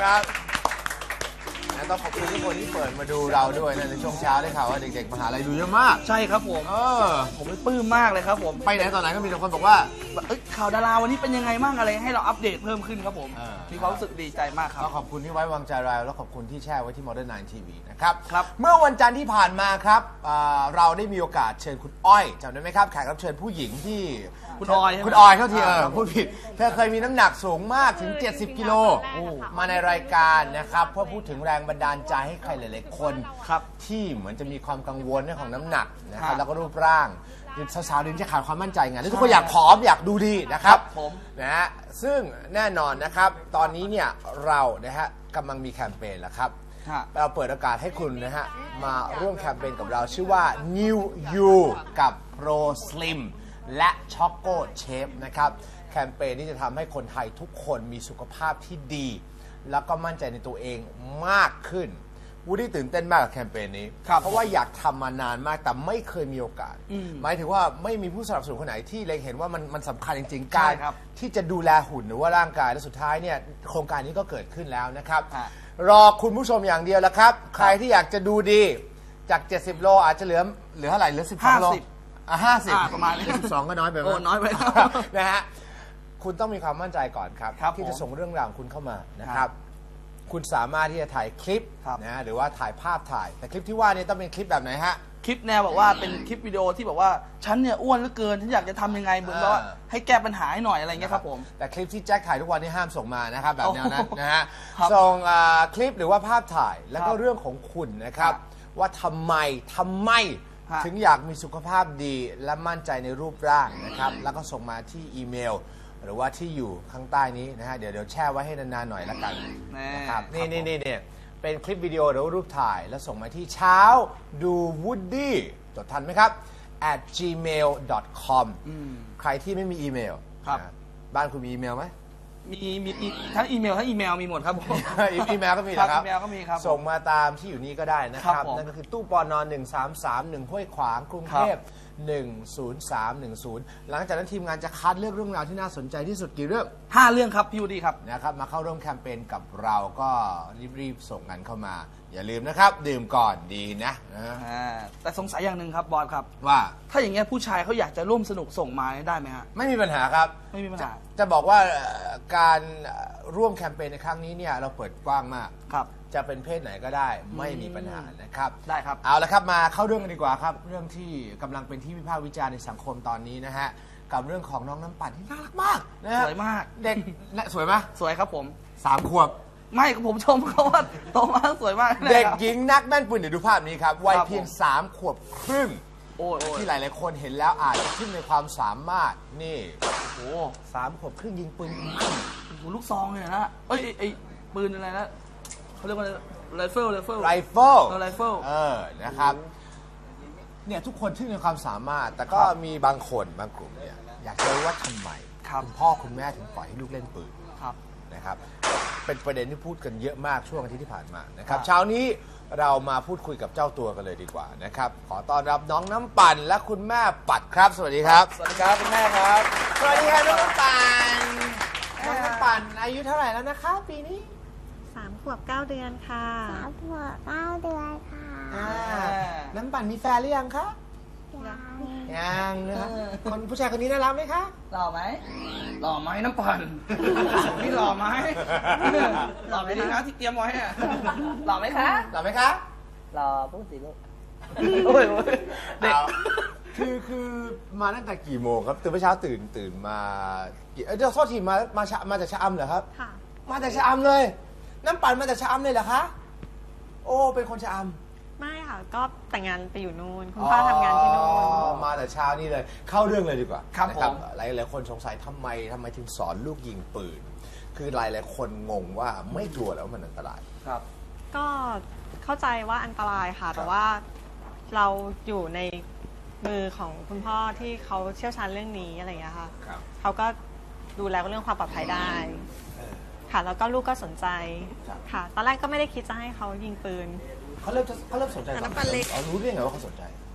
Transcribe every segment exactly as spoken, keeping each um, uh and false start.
นะครับต้องขอบคุณทุกคนที่เปิดมาดูเราด้วยนะในช่วงเช้าได้ข่าวว่าเด็กๆมหาลัยดูเยอะมากใช่ครับผมเออผมปลื้มมากเลยครับผมไปไหนตอนไหนก็มีแต่คนบอกว่าเอ้ยข่าวดาราวันนี้เป็นยังไงบ้างอะไรให้เราอัปเดตเพิ่มขึ้นครับผมมีความรู้สึกดีใจมากครับก็ขอบคุณที่ไว้วางใจเราแล้วขอบคุณที่แชร์ไว้ที่ Modern ไนน์ ที วี นะครับครับเมื่อวันจันทร์ที่ผ่านมาครับเราได้มีโอกาสเชิญคุณอ้อยจำได้ไหมครับแขกรับเชิญผู้หญิงที่คุณออยคุณออยเท่าที่เออพูดผิดเธอเคยมีน้ำหนักสูงมากถึงเจ็ดสิบกิโลมาในรายการนะครับเพื่อพูดถึงแรงบันดาลใจให้ใครหลายๆคนที่เหมือนจะมีความกังวลเรื่องของน้ำหนักนะครับแล้วก็รูปร่างสาวๆเดี๋ยวจะขาดความมั่นใจไงแล้วทุกคนอยากผอมอยากดูดีนะครับนะฮะซึ่งแน่นอนนะครับตอนนี้เนี่ยเรานะฮะกำลังมีแคมเปญแล้วครับเราเปิดโอกาสให้คุณนะฮะมาร่วมแคมเปญกับเราชื่อว่า New You กับ Pro Slim และ Choco Chef นะครับแคมเปญนี้จะทำให้คนไทยทุกคนมีสุขภาพที่ดีแล้วก็มั่นใจในตัวเองมากขึ้นวูดดี้ตื่นเต้นมากกับแคมเปญนี้เพราะว่าอยากทำมานานมากแต่ไม่เคยมีโอกาสหมายถึงว่าไม่มีผู้สนับสนุนคนไหนที่เล็งเห็นว่ามันมันสำคัญจริงๆการที่จะดูแลหุ่นหรือว่าร่างกายและสุดท้ายเนี่ยโครงการนี้ก็เกิดขึ้นแล้วนะครับรอคุณผู้ชมอย่างเดียวแล้วครับใครที่อยากจะดูดีจากเจ็ดสิบโลอาจจะเหลือเหลือเท่าไหร่เหลือสิบสองโลอ่ะห้าสิบประมาณสิบสองก็น้อยไปโอ้น้อยไปนะฮะคุณต้องมีความมั่นใจก่อนครับที่จะส่งเรื่องราวของคุณเข้ามานะครับคุณสามารถที่จะถ่ายคลิปนะหรือว่าถ่ายภาพถ่ายแต่คลิปที่ว่านี่ต้องเป็นคลิปแบบไหนฮะคลิปแนวบอกว่าเป็นคลิปวิดีโอที่บอกว่าฉันเนี่ยอ้วนเหลือเกินฉันอยากจะทำยังไงเหมือนว่าให้แก้ปัญหาให้หน่อยอะไรเงี้ยครับผมแต่คลิปที่แจ็คถ่ายทุกวันนี่ห้ามส่งมานะครับแบบแนวนั้นนะฮะส่งคลิปหรือว่าภาพถ่ายแล้วก็เรื่องของคุณนะครับว่าทำไมทำไมถึงอยากมีสุขภาพดีและมั่นใจในรูปร่างนะครับแล้วก็ส่งมาที่อีเมลหรือว่าที่อยู่ข้างใต้นี้นะฮะเดี๋ยวเดี๋ยวแช่ไว้ให้นานๆหน่อยละกันนะครับนี่นี่นี่เนี่ยเป็นคลิปวิดีโอหรือรูปถ่ายแล้วส่งมาที่เช้าดูวูดดี้จดทันไหมครับ at gmail dot com ใครที่ไม่มีอีเมลบ้านคุณมีอีเมลไหมมีมีทั้งอีเมลทั้งอีเมลมีหมดครับผมอีเมลก็มีนะครับอีเมลก็มีครับส่งมาตามที่อยู่นี้ก็ได้นะครับนั่นก็คือตู้ปอนหนึ่งสามสามหนึ่งห้วยขวางกรุงเทพหนึ่งศูนย์สามหนึ่งศูนย์หลังจากนั้นทีมงานจะคัดเลือกเรื่องราวที่น่าสนใจที่สุดกี่เรื่องห้าเรื่องครับพี่วูดดี้ครับนะครับมาเข้าร่วมแคมเปญกับเราก็รีบๆส่งกันเข้ามาอย่าลืมนะครับดื่มก่อนดีนะแต่สงสัยอย่างหนึ่งครับบอสครับว่าถ้าอย่างเงี้ยผู้ชายเขาอยากจะร่วมสนุกส่งมาได้ไหมฮะไม่มีปัญหาครับไม่มีปัญหาจะบอกว่าการร่วมแคมเปญในครั้งนี้เนี่ยเราเปิดกว้างมากครับจะเป็นเพศไหนก็ได้ไม่มีปัญหานะครับได้ครับเอาละครับมาเข้าเรื่องกันดีกว่าครับเรื่องที่กำลังเป็นที่วิพากษ์วิจารณ์ในสังคมตอนนี้นะฮะกับเรื่องของน้องน้ำปั่นที่น่ารักมากนะฮะสวยมากเด็กสวยไหมสวยครับผมสามขวบไม่ผมชมเขาว่าโตมากสวยมากเด็กหญิงนักแม่นปืนเดี๋ยวดูภาพนี้ครับวัยเพียงสามขวบครึ่งที่หลายๆคนเห็นแล้วอาจจะขึ้นในความสามารถนี่โอ้สามขวบครึ่งยิงปืนลูกซองเลยนะเอ้ยไอ้ปืนอะไรนะเขาเรียกว่าไรเฟิลไรเฟิลไรเฟิลไรเฟิลเออนะครับเนี่ยทุกคนที่มีความสามารถแต่ก็มีบางคนบางกลุ่มเนี่ยอยากจะรู้ว่าทำไมคุณพ่อคุณแม่ถึงปล่อยให้ลูกเล่นปืนนะครับเป็นประเด็นที่พูดกันเยอะมากช่วงอาทิตย์ที่ผ่านมานะครับเช้านี้เรามาพูดคุยกับเจ้าตัวกันเลยดีกว่านะครับขอต้อนรับน้องน้ำปั่นและคุณแม่ปัดครับสวัสดีครับสวัสดีครับคุณแม่ครับสวัสดีครับน้องน้ำปั่นน้องน้ำปั่นอายุเท่าไหร่แล้วนะคะปีนี้สามขวบเก้าเดือนค่ะสามขวบเก้าเดือนค่ะน้ำปั่นมีแฟนหรือยังคะยังนะครับคนผู้ชายคนนี้น่ารักไหมคะหล่อไหมหล่อไหมน้ำปั่นนี่หล่อไหมหล่อไหมนี่นะที่เตรียมไว้อะหล่อไหมคะหล่อไหมคะหล่อพูดสิลูกโอ้ยเด็กคือคือมาตั้งแต่กี่โมงครับตื่นเมื่อเช้าตื่นตื่นมาเออเดี๋ยวโทษทีมามามาจากชะอำเหรอครับค่ะมาจากชะอำเลยน้ำปั่นมาจากชะอำเลยเหรอคะโอ้เป็นคนชะอำไม่ค่ะก็แต่งงานไปอยู่นู่นคุณพ่อทำงานที่นู่นมาแต่เช้านี่เลยเข้าเรื่องเลยดีกว่าครับผมหลายหลายคนสงสัยทำไมทำไมถึงสอนลูกยิงปืนคือหลายหลายคนงงว่าไม่กลัวแล้วมันอันตรายครับก็เข้าใจว่าอันตรายค่ะแต่ว่าเราอยู่ในมือของคุณพ่อที่เขาเชี่ยวชาญเรื่องนี้อะไรอย่างเงี้ยค่ะเขาก็ดูแลเรื่องความปลอดภัยได้ค่ะแล้วก็ลูกก็สนใจค่ะตอนแรกก็ไม่ได้คิดจะให้เขายิงปืนเขาเริ่มเขาเริ่มสนใจตอนเขารู้ได้ไงว่าเขาสนใจ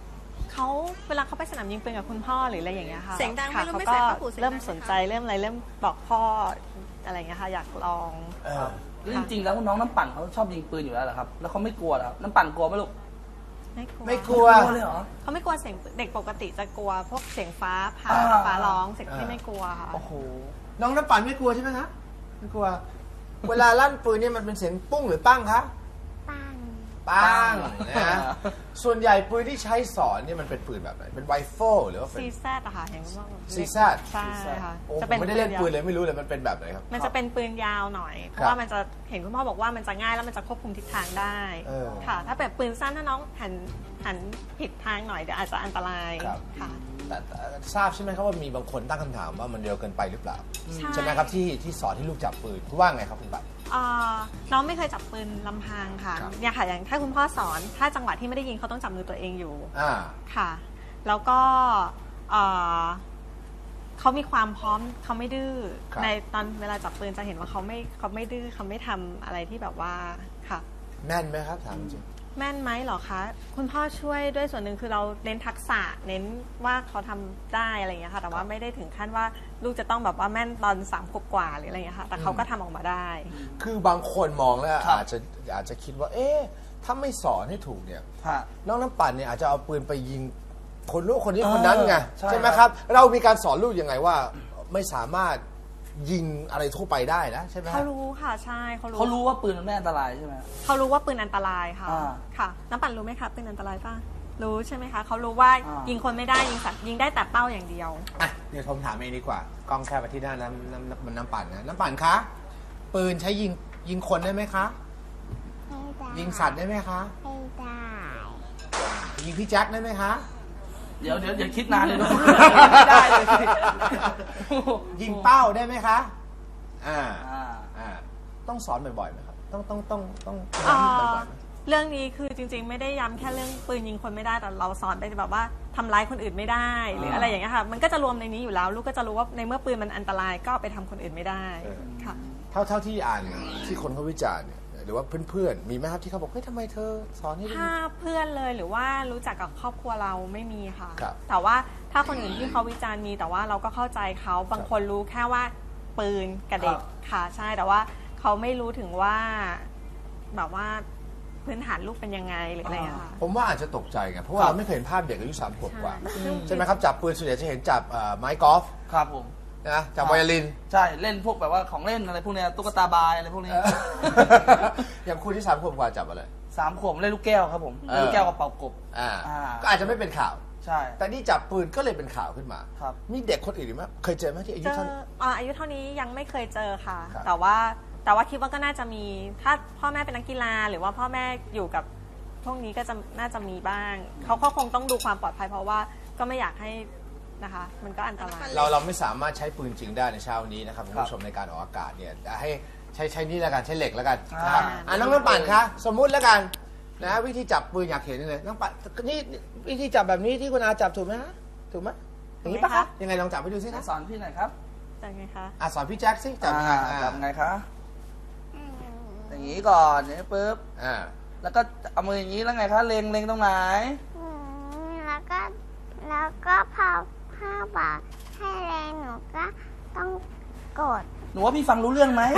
เขาเวลาเขาไปสนามยิงปืนกับคุณพ่อหรืออะไรอย่างเงี้ยค่ะเสียงดังไหมค่ะลูกเขาไม่ก็ใส่ผ้าผูกเสียงดังไหมเริ่มสนใจเริ่มอะไรเริ่มบอกพ่ออะไรอย่างเงี้ยค่ะอยากลองเออแล้วจริงๆแล้วน้องน้ำปั่นเขาชอบยิงปืนอยู่แล้วเหรอครับแล้วเขาไม่กลัวเหรอครับน้ำปั่นกลัวไหมลูกไม่กลัวไม่กลัวกลัวเลยเหรอเขาไม่กลัวเสียงเด็กปกติจะกลัวพวกเสียงฟ้าผ่าอ่าฟ้าร้องเสียงที่อ่าไม่กลัวค่ะโอ้โหน้องน้ำปั่นไม่กลัวใช่ไหมคะไม่กลัว เวลาลั่นปืนเนี่ยมันเป็นเสียงปุ้งหรือปั้งคะปังปั้งนะส่วนใหญ่ปืนที่ใช้สอนเนี่ยมันเป็นปืนแบบไหนเป็นไรเฟิลหรือว่าเป็นซีแซดอะค่ะอย่างที่ว่าซีแซดใช่ค่ะโอ้จะผเป็มนไม่ได้เล่นปืนยาวเลยไม่รู้เลยมันเป็นแบบไหนครับมันจะเป็นปืนยาวหน่อย เพครับราะว่ามันจะเห็นคุณพ่อบอกว่ามันจะง่ายแล้วมันจะควบคุมทิศทางได้เออค่ะ ถ้าแบบปืนสั้นถ้าน้องหันหันผิดทางหน่อยเดี๋ยวอาจจะอันตรายครับค่ะแต่แต่ทราบใช่ไหมครับว่ามีบางคนตั้งคำถามว่ามันเร็วเกินไปหรือเปล่าใช่ใช่ไหมครับที่ที่สอนให้ลูกจับปืนคุณว่าไงครับคุณบัตรเอ่อน้องไม่เคยจับปืนลำพังค่ะครับเนี่ยค่ะอย่างถ้าคุณพ่อสอนถ้าจังหวะที่ไม่ได้ยิงเขาต้องจับมือตัวเองอยู่อ่าค่ะ แล้วก็เอ่อเขามีความพร้อมเขาไม่ดื้อครับในตอนเวลาจับปืนจะเห็นว่าเขาไม่เขาไม่ดื้อเขาไม่ทำอะไรที่แบบว่าค่ะแม่นไหมครับถามจริงแม่นไหมเหรอคะคุณพ่อช่วยด้วยส่วนหนึ่งคือเราเน้นทักษะเน้นว่าเขาทำได้อะไรอย่างเงี้ยค่ะแต่ว่าไม่ได้ถึงขั้นว่าลูกจะต้องแบบว่าแม่นตอนสามขวบกว่าหรืออะไรอย่างเงี้ยค่ะแต่เขาก็ทำออกมาได้คือบางคนมองแล้วครับอาจจะอาจจะคิดว่า เอ๊ะถ้าไม่สอนให้ถูกเนี่ยฮะน้องน้ำปั่นเนี่ยอาจจะเอาปืนไปยิงคนรู้คนนี้คนนั้นไงเออใช่ใช่ไหมครับ เรามีการสอนลูกยังไงว่าไม่สามารถยิงอะไรทั่วไปได้นะใช่ไหมเขารู้ค่ะใช่เขารู้เขารู้ว่าปืนมันไม่อันตรายใช่ไหมเขารู้ว่าปืนอันตรายค่ะอ่าค่ะน้ำปั่นรู้ไหมคะปืนอันตรายป่ะรู้ใช่ไหมคะเขารู้ว่าอ่ายิยิงคนไม่ได้ยิงสัตว์ยิงได้แต่เป้าอย่างเดียวอ่ะเดี๋ยวผมถามเองดีกว่ากล้องแค่ไปที่หน้าน้ำน้ำน้ำน้ำปั่นนะน้ำปั่นคะปืนใช้ยิงยิงคนได้ไหมคะไม่ได้ยิงสัตว์ได้ไหมคะไม่ได้ยิงพี่แจ็คได้ไหมคะเดี๋ยวเดี๋ยวอย่าคิดนานเลยลูกไม่ได้เลยสิยิงเป้าได้ไหมคะอ่าอ่าอ่าต้องสอนบ่อยๆไหมครับต้องต้องต้องต้องเอ่ย้ำอบ่อยๆไหมเรื่องนี้คือจริงๆ ไม่ได้ย้ำแค่เรื่องปืนยิงคนไม่ได้แต่เราสอนไปแบบว่าทำร้ายคนอื่นไม่ได้ หรืออะไรอย่างเงี้ยค่ะมันก็จะรวมในนี้อยู่แล้ว ลูกก็จะรู้ว่าในเมื่อปืนมันอันตรายก็เอาไปทำคนอื่นไม่ได้เออค่ะเท่าเท่าที่อ่านที่คนเขาวิจารณ์เนี่ยหรือว่าเพื่อนๆมีไหมครับที่เขาบอกเฮ้ยทำไมเธอสอนให้ลูกถ้าเพื่อนเลยหรือว่ารู้จักกับครอบครัวเราไม่มีค่ะครับแต่ว่าถ้าคนอื่นที่เขาวิจารณ์มีแต่ว่าเราก็เข้าใจเขาบางคนรู้แค่ว่าปืนกับเด็กค่ะใช่แต่ว่าเขาไม่รู้ถึงว่าแบบว่าพื้นฐานลูกเป็นยังไงหรืออะไรอะค่ะผมว่าอาจจะตกใจไงเพราะว่าครับเราไม่เคยเห็นภาพเด็กอายุสามขวบกว่าใช่ใช่ไหมครับจับปืนส่วนใหญ่จะเห็นจับเอ่อไม้กอล์ฟครับผมนะจับไวโอลินใช่เล่นพวกแบบว่าของเล่นอะไรพวกเนี้ยตุ๊กตาบายอะไรพวกนี้อย่างคุณที่สามขวบกว่าจับอะไรสามขวบเล่นลูกแก้วครับผมเออเล่นลูกแก้วกับเป่ากบอ่าอ่าก็อาจจะไม่เป็นข่าวใช่แต่นี่จับปืนก็เลยเป็นข่าวขึ้นมาครับมีเด็กคนอื่นอีกไหมเคยเจอไหมที่อายุเจอเท่าอ่าอายุเท่านี้ยังไม่เคยเจอค่ะครับแต่ว่าแต่ว่าคิดว่าก็น่าจะมีถ้าพ่อแม่เป็นนักกีฬา หรือว่าพ่อแม่อยู่กับพวกนี้ก็จะน่าจะมีบ้างเขาก็คงต้องดูความปลอดภัยเพราะว่าก็ไม่อยากให้นะคะ มันก็อันตรายเราเราไม่สามารถใช้ปืนจริงได้ในเช้านี้นะครับคุณผู้ชมในการออกอากาศเนี่ยให้ใช้ใช้นี่แล้วกันใช้เหล็กแล้วกันนะครับอ่าอ่าน้องน้ำปั่นคะสมมุติแล้วกันนะวิธีจับปืนอยากเห็นเลยน้องปั่นนี่วิธีจับแบบนี้ที่คุณอาจับถูกไหมฮะถูกไหมอย่างนี้ปะคะยังไงลองจับไปดูสิคะสอนพี่หน่อยครับจะไงคะอ่ะสอนพี่แจ็คสิจับยังไงอ่าอ่าจับไงคะ อย่างนี้ก่อนอย่างนี้ปุ๊บอ่าแล้วก็เอามืออย่างนี้แล้วไงคะ เล็งเล็งตรงไหนอืมแล้วก็แล้วก็พอพ่อบอกให้แรงหนูก็ต้องกดหนูว่าพี่ฟังรู้เรื่องไหม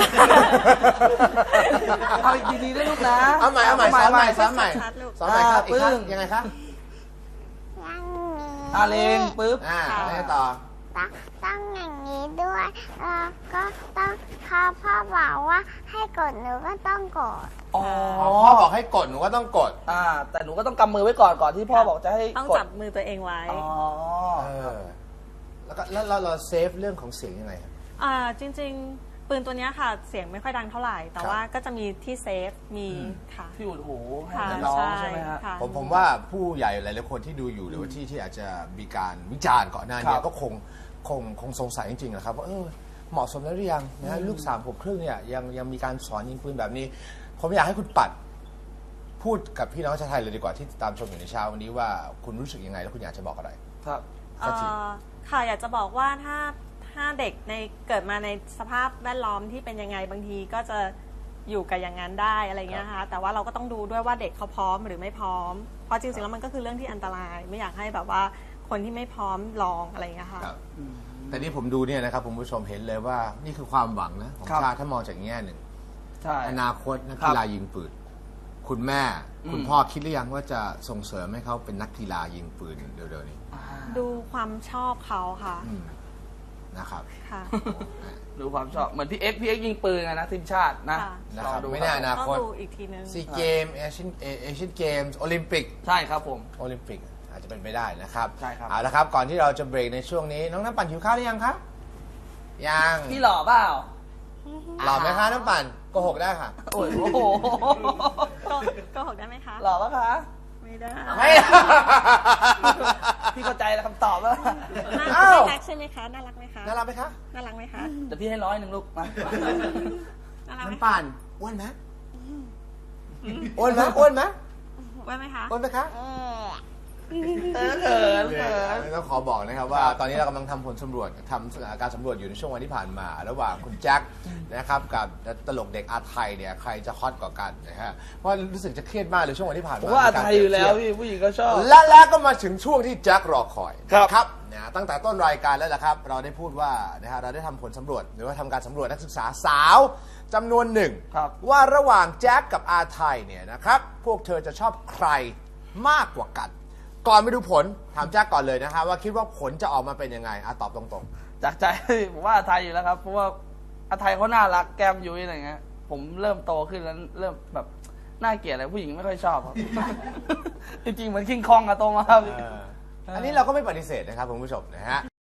เอาอีกดีๆด้วยลูกนะเอาใหม่เอาใหม่สอนใหม่สอนใหม่ชัดๆลูกสอนใหม่ครับอ่าอีกครั้งปึ้งยังไงคะอย่างนี้อ่าเล็งปุ๊บอ่าแล้วไงต่อต้องต้องอย่างนี้ด้วยแล้วก็ต้องพอพ่อบอกว่าให้กดหนูก็ต้องกดอ๋ออ๋อพ่อบอกให้กดหนูก็ต้องกดอ่า แต่หนูก็ต้องกำมือไว้ก่อนก่อนที่พ่อบอกจะให้ต้องกดจับมือตัวเองไว้อ๋อเออแล้วก็แล้วเราเราเซฟเรื่องของเสียงยังไงครับอ่าจริงๆ ปืนตัวเนี้ยค่ะเสียงไม่ค่อยดังเท่าไหร่ แต่ครับว่าก็จะมีที่เซฟมีค่ะที่อุดหูให้ค่ะน้องใช่ใช่ไหมฮะค่ะผมผมว่าผู้ใหญ่หลายๆคนที่ดูอยู่หรือว่าที่ที่อาจจะมีการวิจารณ์ก่อนหน้าคนี้รับก็คงคงคงสงสัยจริงๆนะครับว่าเออเหมาะสมแล้วหรือยังนะฮะลูกสามขวบครึ่งเนี่ยยังยังมีการสอนยิงปืนแบบนี้ ผมอยากให้คุณปัดพูดกับพี่น้องชาวไทยเลยดีกว่าที่ติดตามชมอยู่ในเช้าวันนี้ว่าคุณรู้สึกยังไงแล้วคุณอยากจะบอกอะไรครับสักทีเอ่อค่ะอยากจะบอกว่าถ้าถ้าเด็กในเกิดมาในสภาพแวดล้อมที่เป็นยังไงบางทีก็จะอยู่กับอย่างนั้นได้อะไรเงี้ยค่ะแต่ว่าเราก็ต้องดูด้วยว่าเด็กเขาพร้อมหรือไม่พร้อม เพราะราะจริงๆแล้วมันก็คือเรื่องที่อันตรายไม่อยากให้แบบว่าคนที่ไม่พร้อมลองอะไรอย่างเงี้ยค่ะครับแต่นี่ผมดูเนี่ยนะครับคุณผู้ชมเห็นเลยว่านี่คือความหวังนะของครับชาติถ้ามองจากแง่หนึ่งใช่อนาคตนักครับกีฬายิงปืนคุณแม่อืมคุณพ่อคิดหรือยังว่าจะส่งเสริมให้เขาเป็นนักกีฬายิงปืนเร็วๆนี้ดูความชอบเขาค่ะอืมนะครับค่ะดูความชอบเหมือนพี่เอ็กซ์พี่เอ็กซ์ยิงปืนไงนะทีมชาตินะค่ะนะครับลองดูไม่แน่อนาต้องคตดูอีกทีนึงซีเกมเอเชียนเอเชียนเกมส์โอลิมปิกใช่ครับผมโอลิมปิกอาจจะเป็นไปได้นะครับใช่ครับเอาละครับก่อนที่เราจะเบรกในช่วงนี้น้องน้ำปั่นหิวข้าวหรือยังครับยังพี่หล่อเปล่าหล่อไหมคะน้ำปั่นโกหกได้ค่ะโอ้ยโอ้โหก็ก็หกได้ไหมคะหล่อปะคะไม่ได้ไม่พี่เข้าใจแล้วคำตอบแล้วน่าอ้าวรักใช่ไหมคะ น่ารักไหมคะน่ารักไหมคะน่ารักไหมคะเดี๋ยวพี่ให้ร้อยหนึ่งลูกมาน่ารักไหมน้ำปั่นอ้วนไหมอ้วนไหมอ้วนไหมไว้ไหมคะอ้วนไหมคะเออเออเขินเขินต้องขอบอกนะครับว่าตอนนี้เรากำลังทำผลสำรวจทำการสำรวจอยู่ในช่วงวันที่ผ่านมา ระหว่างคุณแจ็คนะครับกับตลกเด็กอาไทยเนี่ยใครจะฮอตกว่ากันนะฮะเพราะรู้สึกจะเครียดมากเลยช่วงวันที่ผ่านผมมาว่ามีกรไทยอยู่แล้วเปรีบเทีบพี่ผู้หญิงก็ชอบและแล้วก็มาถึงช่วงที่แจ็ครอคอยครับครับนะตั้งแต่ต้นรายการแล้วล่ะครับ เราได้พูดว่านะฮะเราได้ทำผลสำรวจหรือว่าทำการสำรวจนักศึกษาสาวจำนวนหนึ่งครับว่าระหว่างแจ็คกับอาไทยเนี่ยนะครับพวกเธอจะชอบใครมากกว่ากัน ก่อนไปดูผลถามแจ็คก่อนเลยนะฮะว่าคิดว่าผลจะออกมาเป็นยังไงอ่ะตอบตรงจากใจ ผมว่าอาไทยอยู่แล้วครับ เพราะว่าอาไทยเขาน่ารักแก้มยุ้ยอะไรเงี้ย ผมเริ่มโตขึ้นแล้วเริ่มแบบน่าเกลียดอะไรผู้หญิงไม่ค่อยชอบครับ จริงๆเหมือนคิงคองอะโตมาครับๆ อันนี้เราก็ไม่ปฏิเสธนะครับคุณผู้ชมนะฮะ